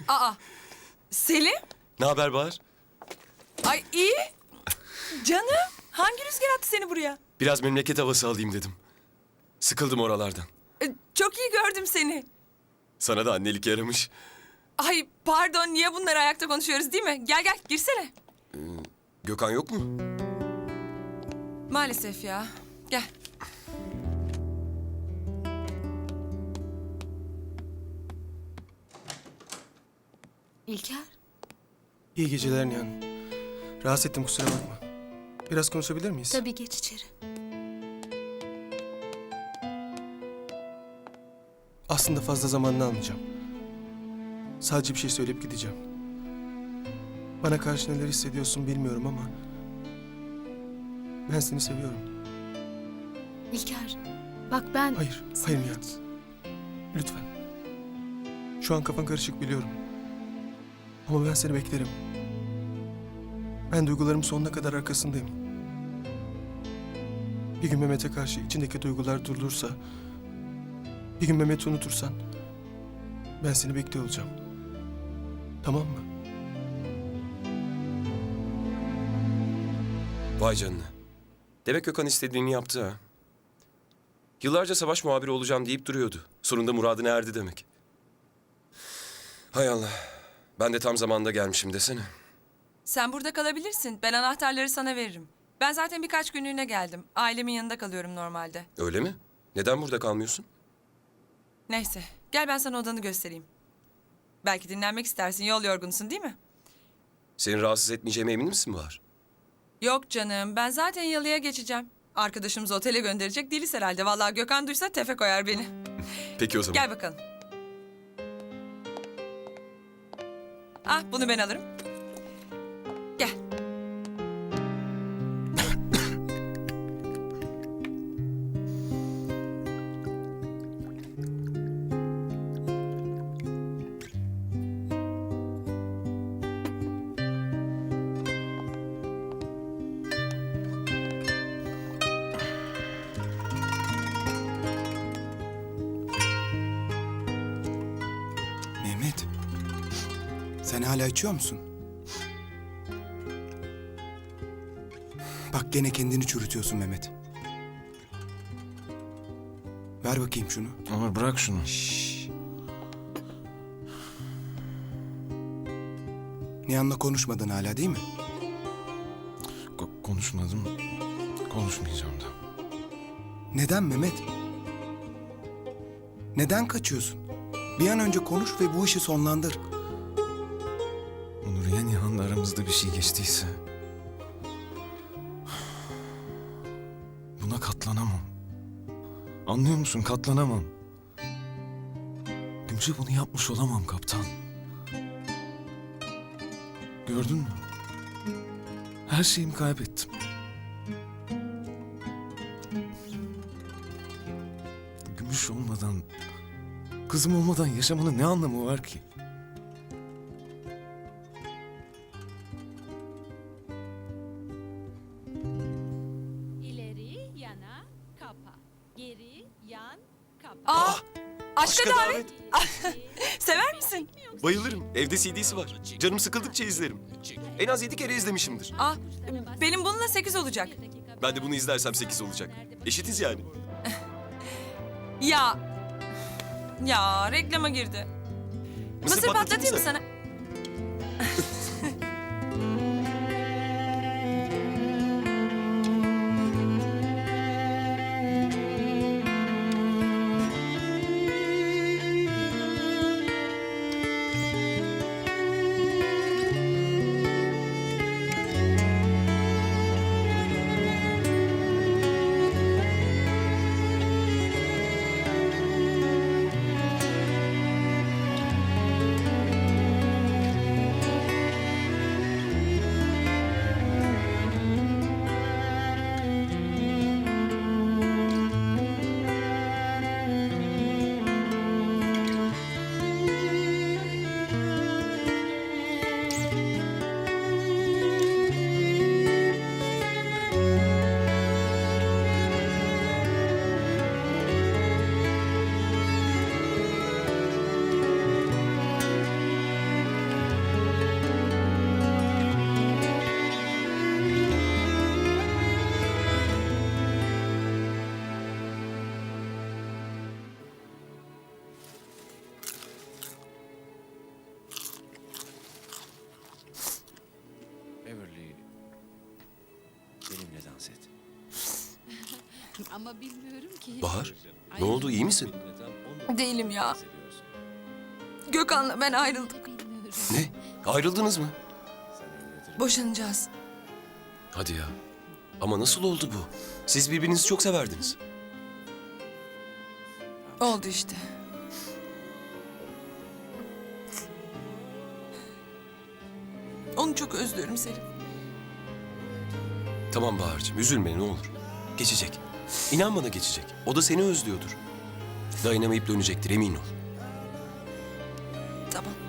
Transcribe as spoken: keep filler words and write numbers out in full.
Aa, Selim? Ne haber Bahar? Ay iyi. Canım, hangi rüzgar attı seni buraya? Biraz memleket havası alayım dedim. Sıkıldım oralardan. Ee, çok iyi gördüm seni. Sana da annelik yaramış. Ay pardon, niye bunları ayakta konuşuyoruz değil mi? Gel gel, girsene. Gökhan yok mu? Maalesef ya. Gel. İlker, İyi geceler Nihan. Rahatsız ettim, kusura bakma. Biraz konuşabilir miyiz? tabii geç içeri. Aslında fazla zamanını almayacağım. Sadece bir şey söyleyip gideceğim. Bana karşı neler hissediyorsun bilmiyorum ama... ben seni seviyorum. İlker, bak ben... Hayır, sana hayır Nihan. hiç- Lütfen. Şu an kafan karışık biliyorum. Ama ben seni beklerim. Ben duygularım sonuna kadar arkasındayım. Bir gün Mehmet'e karşı içindeki duygular durulursa... bir gün Mehmet'i unutursan... ben seni bekliyor olacağım. Tamam mı? Vay canına. Demek Gökhan istediğini yaptı ha. Yıllarca savaş muhabiri olacağım deyip duruyordu. Sonunda muradına erdi demek. Hay Allah. Ben de tam zamanında gelmişim desene. Sen burada kalabilirsin. Ben anahtarları sana veririm. Ben zaten birkaç günlüğüne geldim. Ailemin yanında kalıyorum normalde. Öyle mi? Neden burada kalmıyorsun? Neyse, gel ben sana odanı göstereyim. Belki dinlenmek istersin, yol yorgunsun değil mi? Seni rahatsız etmeyeceğime emin misin Bahar? Yok canım, ben zaten yalıya geçeceğim. Arkadaşımızı otele gönderecek değiliz herhalde. Vallahi Gökhan duysa tefe koyar beni. Peki o zaman. Gel bakalım. Ah, bunu ben alırım. Gel. Mehmet, sen hala içiyor musun? Bak gene kendini çürütüyorsun Mehmet. Ver bakayım şunu. Ama bırak şunu. Şşş. Nihan'la konuşmadın hala değil mi? Ko- konuşmadım. Konuşmayacağım da. Neden Mehmet? Neden kaçıyorsun? Bir an önce konuş ve bu işi sonlandır. Onur ya Nihan'la aramızda bir şey geçtiyse... buna katlanamam. Anlıyor musun? Katlanamam. Gümüş'e bunu yapmış olamam kaptan. Gördün mü? Her şeyimi kaybettim. Gümüş olmadan, kızım olmadan yaşamanın ne anlamı var ki? İleri yana kapa. Geri yan kapa. Aa, aşka aşka davet. Sever misin? Bayılırım. Evde C D'si var. Canım sıkıldıkça izlerim. En az yedi kere izlemişimdir. Ah, benim bununla sekiz olacak. Ben de bunu izlersem sekiz olacak. Eşitiz yani. Ya, ya reklama girdi. Mısır, patlatayım mı sana? Ama bilmiyorum ki. Bahar, ne oldu, iyi misin? Değilim ya. Gökhan'la ben ayrıldık. Bilmiyorum. Ne? Ayrıldınız mı? Boşanacağız. Hadi ya. Ama nasıl oldu bu? Siz birbirinizi çok severdiniz. Oldu işte. Onu çok özlüyorum Selim. Tamam Bahar'cığım, üzülme ne olur. Geçecek. İnan bana geçecek. O da seni özlüyordur. Dayanamayıp dönecektir, emin ol. Tamam.